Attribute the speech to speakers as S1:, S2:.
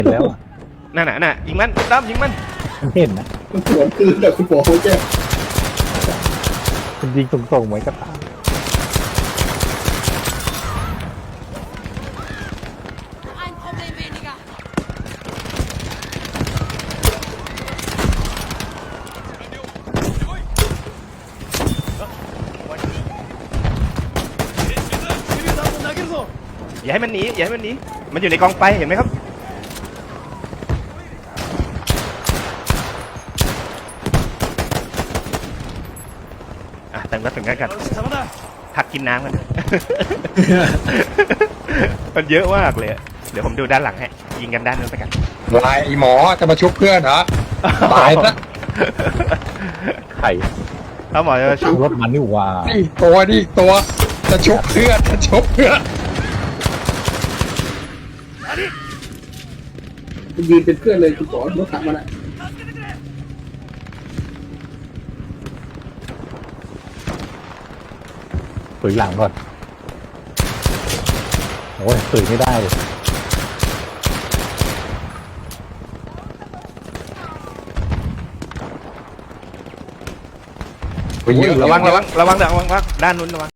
S1: เห็นแล้วอะ
S2: นั่นน่ะยิงมันตั้มยิงมัน
S1: มันเห็นนะ
S3: มันสวนคืนแต่คุณบอกเขาแจ้
S1: มันยิงตรงๆเหมือนกับตา
S4: Ein Problem weniger.
S2: อย่าให้มันหนีอย่าให้มันหนีมันอยู่ในกองไฟเห็นไหมครับเติมกระสุนกันพักกินน้ำกัน มันเยอะมากเลยเดี๋ยวผมดูด้านหลังให้ยิงกันด้านนู้นไปกัน
S5: ลายไอ้หมอจะมาชุบเพื่อนเหรอตายซะ
S1: ไข่
S2: ถ้าหมอจะชุบ
S1: รถมันนี่หว่า
S5: นี่ตัวจะชุบเพื่อนจะชุบเพื่อน
S3: มันยืนเป็นเพื่อนเลยคุณบอกรถถังมันอะ
S1: ตุ๋ยหลังก่อนโอ้ยตุ๋ยไม่ได้เลย
S5: โอ้ยเยอะ
S2: ระวังด้านนู้นระวัง